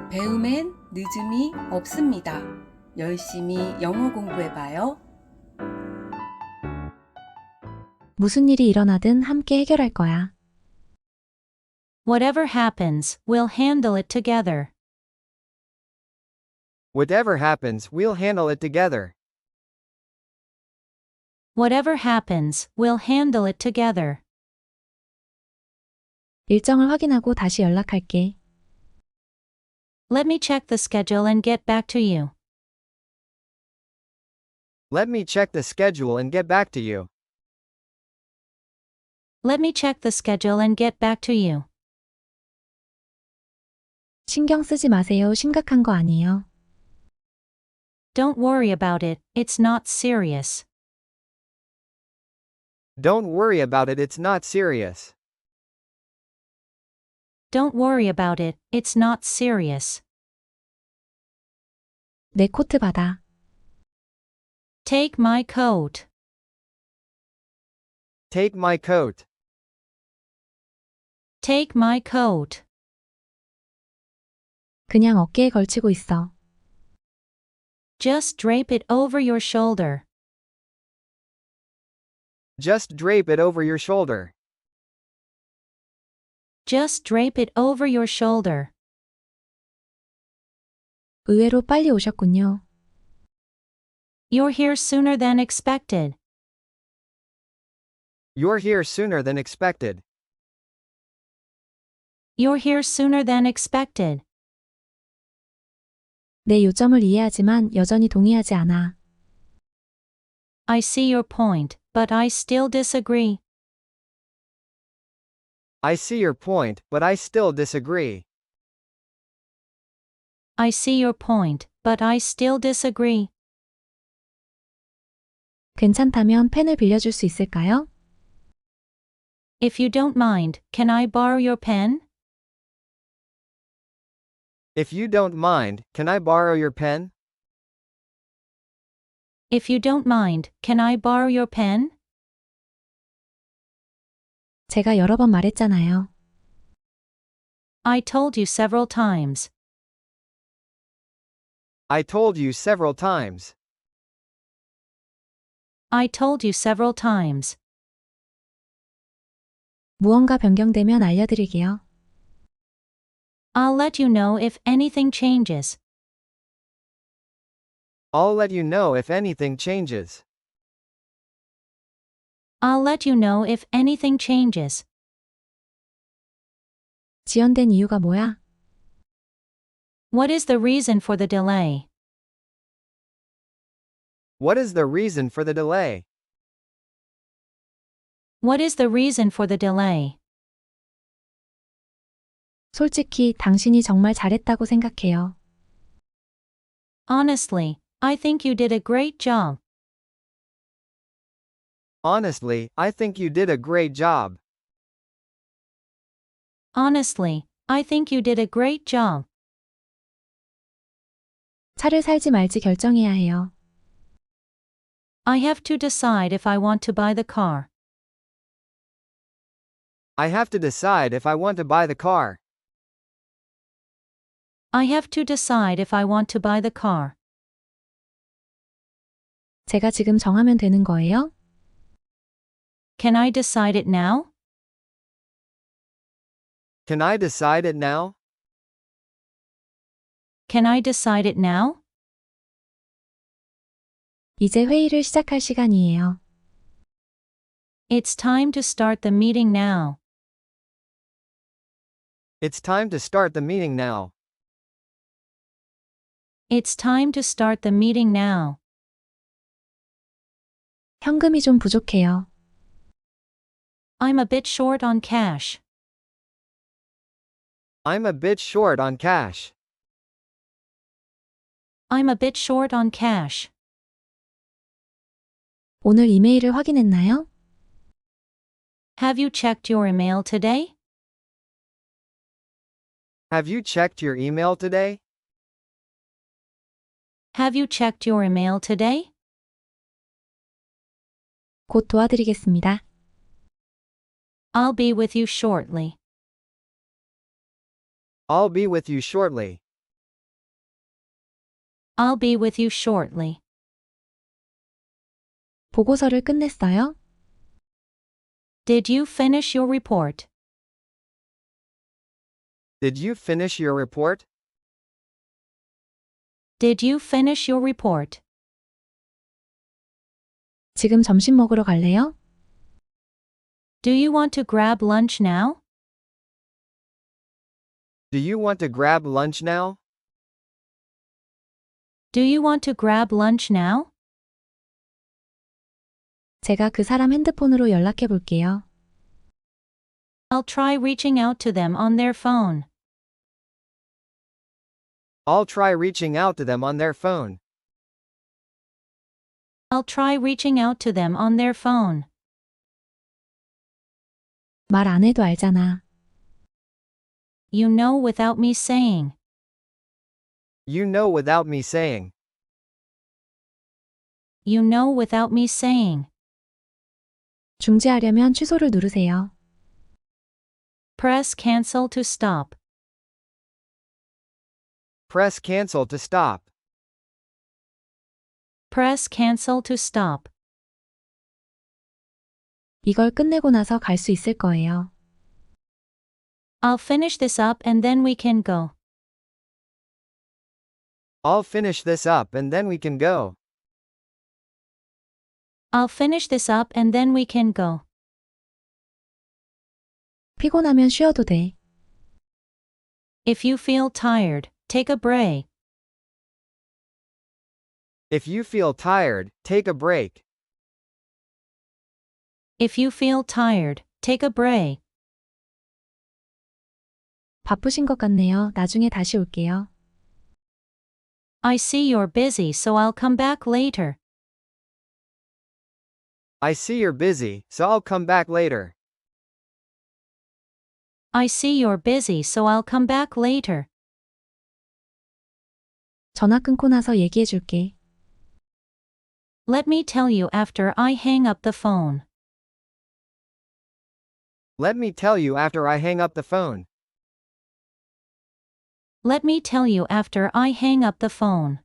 배움엔 늦음이 없습니다. 열심히 영어 공부해봐요. 무슨 일이 일어나든 함께 해결할 거야. Whatever happens, we'll handle it together. Whatever happens, we'll handle it together. Whatever happens, we'll handle it together. 일정을 확인하고 다시 연락할게. Let me check the schedule and get back to you. Let me check the schedule and get back to you. Let me check the schedule and get back to you. 신경 쓰지 마세요. 심각한 거 아니에요. Don't worry about it, it's not serious. Don't worry about it, it's not serious. Don't worry about it, it's not serious. 내 코트 받아. Take my coat. Take my coat. Take my coat. 그냥 어깨에 걸치고 있어. Just drape it over your shoulder. Just drape it over your shoulder. Just drape it over your shoulder. 의외로 빨리 오셨군요. You're here sooner than expected. You're here sooner than expected. You're here sooner than expected. 내 요점을 이해하지만 여전히 동의하지 않아. I see your point, but I still disagree. I see your point, but I still disagree. I see your point, but I still disagree. 괜찮다면 펜을 빌려줄 수 있을까요? If you don't mind, can I borrow your pen? If you don't mind, can I borrow your pen? If you don't mind, can I borrow your pen? 제가 여러 번 말했잖아요. I told you several times. I told you several times. I told you several times. 무언가 변경되면 알려드릴게요. I'll let you know if anything changes. I'll let you know if anything changes. I'll let you know if anything changes. 지연된 이유가 뭐야? What is the reason for the delay? What is the reason for the delay? What is the reason for the delay? 솔직히 당신이 정말 잘했다고 생각해요. Honestly, I think you did a great job. Honestly, I think you did a great job. Honestly, I think you did a great job. 차를 살지 말지 결정해야 해요. I have to decide if I want to buy the car. I have to decide if I want to buy the car. I have to decide if I want to buy the car. 제가 지금 정하면 되는 거예요? Can I decide it now? Can I decide it now? Can I decide it now? 이제 회의를 시작할 시간이에요. It's time to start the meeting now. It's time to start the meeting now. It's time to start the meeting now. 현금이 좀 부족해요. I'm a bit short on cash. I'm a bit short on cash. I'm a bit short on cash. 오늘 이메일을 확인했나요? Have you checked your email today? Have you checked your email today? Have you checked your email today? 곧 도와드리겠습니다. I'll be with you shortly. I'll be with you shortly. I'll be with you shortly. 보고서를 끝냈어요? Did you finish your report? Did you finish your report? Did you finish your report? 지금 점심 먹으러 갈래요? Do you want to grab lunch now? Do you want to grab lunch now? Do you want to grab lunch now? 제가 그 사람 핸드폰으로 연락해 볼게요. I'll try reaching out to them on their phone. I'll try reaching out to them on their phone. I'll try reaching out to them on their phone. 말 안 해도 알잖아. You know without me saying. You know without me saying. You know without me saying. 중지하려면 취소를 누르세요. Press cancel to stop. Press cancel to stop. Press cancel to stop. 이걸 끝내고 나서 갈 수 있을 거예요. I'll finish this up and then we can go. I'll finish this up and then we can go. I'll finish this up and then we can go. 피곤하면 쉬어도 돼. If you feel tired, take a break. If you feel tired, take a break. If you feel tired, take a break. 바쁘신 것 같네요. 나중에 다시 올게요. I see you're busy, so I'll come back later. I see you're busy, so I'll come back later. I see you're busy, so I'll come back later. 전화 끊고 나서 얘기해 줄게. Let me tell you after I hang up the phone. Let me tell you after I hang up the phone. Let me tell you after I hang up the phone.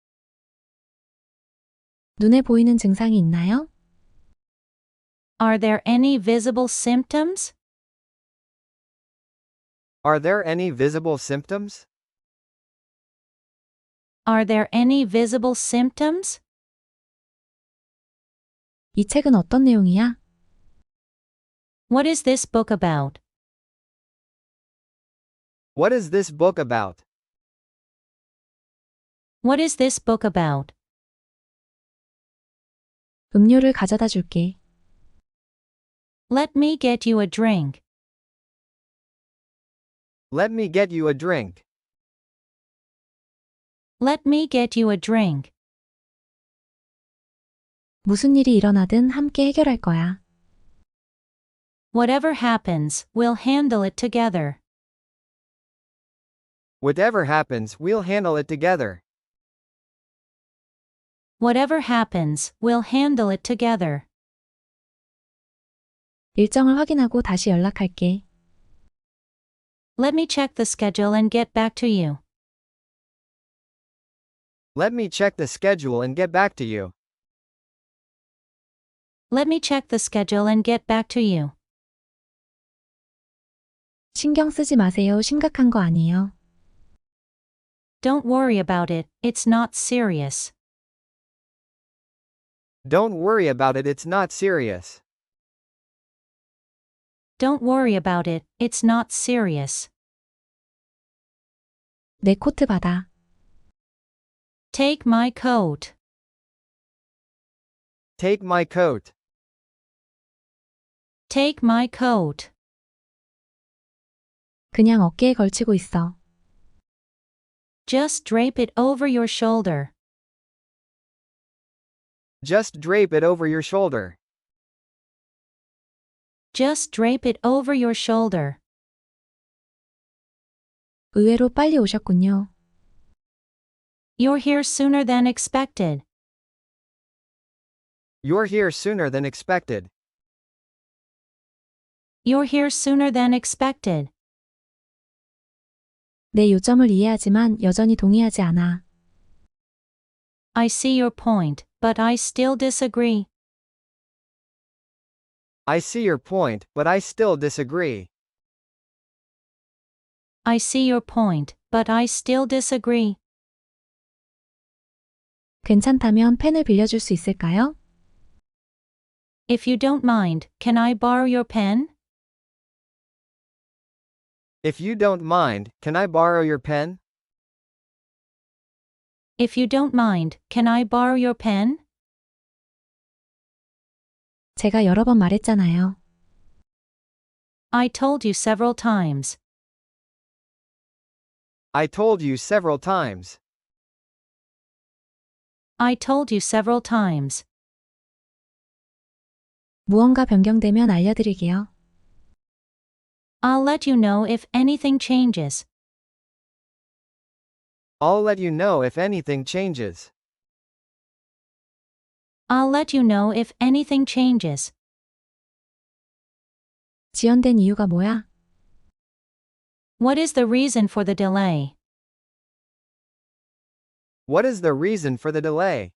눈에 보이는 증상이 있나요? Are there any visible symptoms? Are there any visible symptoms? Are there any visible symptoms? 이 책은 어떤 내용이야? What is this book about? What is this book about? What is this book about? 음료를 가져다 줄게. Let me get you a drink. Let me get you a drink. Let me get you a drink. 무슨 일이 일어나든 함께 해결할 거야. Whatever happens, we'll handle it together. Whatever happens, we'll handle it together. Whatever happens, we'll handle it together. 일정을 확인하고 다시 연락할게. Let me check the schedule and get back to you. Let me check the schedule and get back to you. Let me check the schedule and get back to you. 신경 쓰지 마세요. 심각한 거 아니에요. Don't worry about it, it's not serious. Don't worry about it, it's not serious. Don't worry about it, it's not serious. 내 코트 받아. Take my coat. Take my coat. Take my coat. 그냥 어깨에 걸치고 있어. Just drape it over your shoulder. Just drape it over your shoulder. Just drape it over your shoulder. 의외로 빨리 오셨군요. You're here sooner than expected. You're here sooner than expected. You're here sooner than expected. 내 요점을 이해하지만 여전히 동의하지 않아. I see your point, but I still disagree. I see your point, but I still disagree. I see your point, but I still disagree. 괜찮다면 펜을 빌려줄 수 있을까요? If you don't mind, can I borrow your pen? If you don't mind, can I borrow your pen? If you don't mind, can I borrow your pen? 제가 여러 번 말했잖아요. I told you several times. I told you several times. I told you several times. 무언가 변경되면 알려드릴게요. I'll let you know if anything changes. I'll let you know if anything changes. I'll let you know if anything changes. 지연된 이유가 뭐야? What is the reason for the delay? What is the reason for the delay?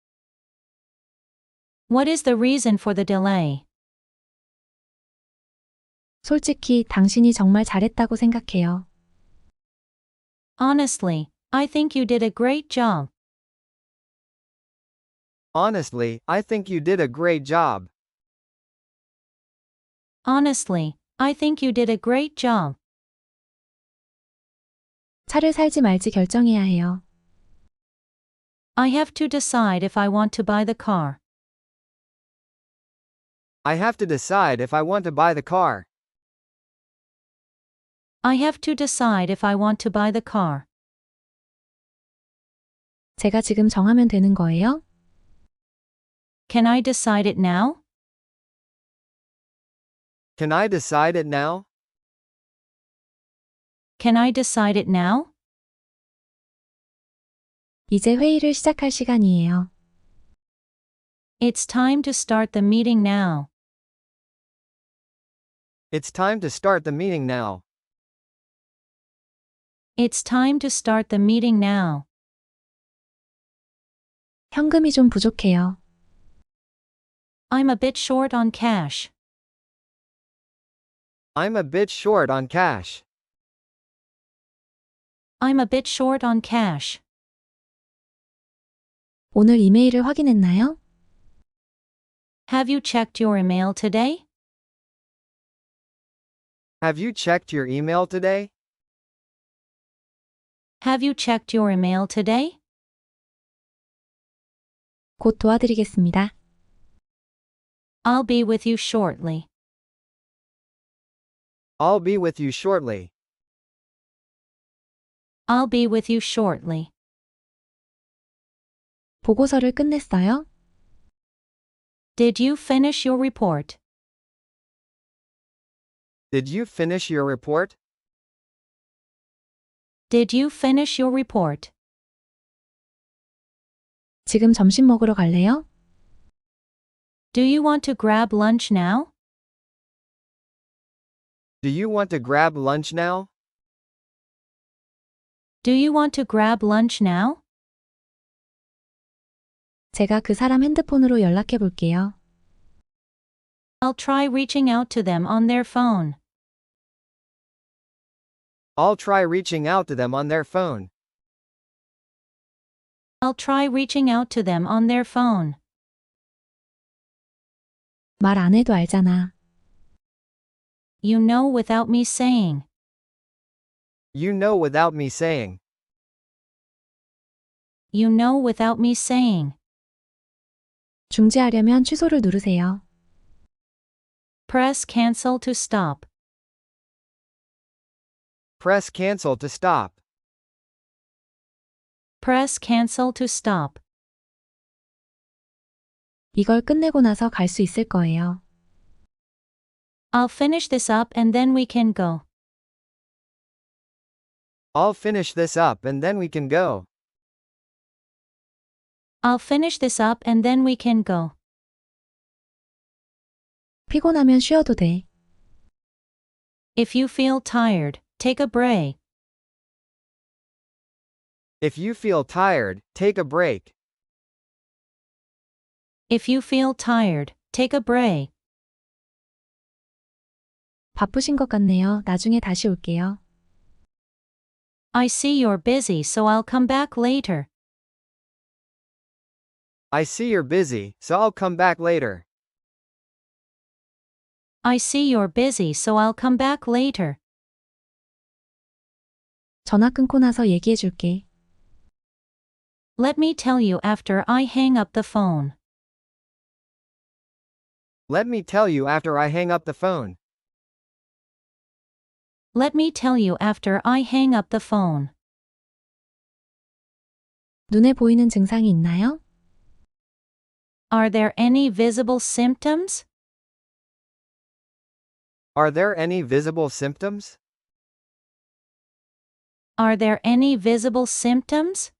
What is the reason for the delay? 솔직히 당신이 정말 잘했다고 생각해요. Honestly, I think you did a great job. Honestly, I think you did a great job. Honestly, I think you did a great job. 차를 살지 말지 결정해야 해요. I have to decide if I want to buy the car. I have to decide if I want to buy the car. I have to decide if I want to buy the car. 제가 지금 정하면 되는 거예요? Can I decide it now? Can I decide it now? Can I decide it now? 이제 회의를 시작할 시간이에요. It's time to start the meeting now. It's time to start the meeting now. It's time to start the meeting now. 현금이 좀 부족해요. I'm a bit short on cash. I'm a bit short on cash. I'm a bit short on cash. 오늘 이메일을 확인했나요? Have you checked your email today? Have you checked your email today? Have you checked your email today? 곧 도와드리겠습니다. I'll be with you shortly. I'll be with you shortly. I'll be with you shortly. 보고서를 끝냈어요? Did you finish your report? Did you finish your report? Did you finish your report? 지금 점심 먹으러 갈래요? Do you want to grab lunch now? Do you want to grab lunch now? Do you want to grab lunch now? 제가 그 사람 핸드폰으로 연락해 볼게요. I'll try reaching out to them on their phone. I'll try reaching out to them on their phone. I'll try reaching out to them on their phone. 말 안 해도 알잖아. You know without me saying. You know without me saying. You know without me saying. 중지하려면 취소를 누르세요. Press cancel to stop. Press cancel to stop. Press cancel to stop. 이걸 끝내고 나서 갈 수 있을 거예요. I'll finish this up and then we can go. I'll finish this up and then we can go. I'll finish this up and then we can go. 피곤하면 쉬어도 돼. If you feel tired, take a break. If you feel tired, take a break. If you feel tired, take a break. 바쁘신 것 같네요. 나중에 다시 올게요. I see you're busy, so I'll come back later. I see you're busy, so I'll come back later. I see you're busy, so I'll come back later. 전화 끊고 나서 얘기해 줄게. Let me tell you after I hang up the phone. Let me tell you after I hang up the phone. Let me tell you after I hang up the phone. 눈에 보이는 증상이 있나요? Are there any visible symptoms? Are there any visible symptoms? Are there any visible symptoms?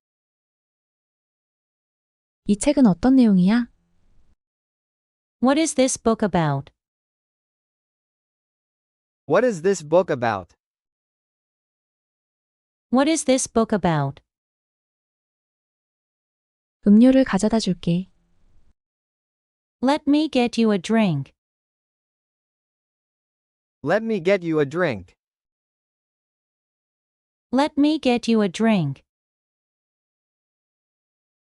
이 책은 어떤 내용이야? What is this book about? What is this book about? What is this book about? 음료를 가져다 줄게. Let me get you a drink. Let me get you a drink. Let me get you a drink.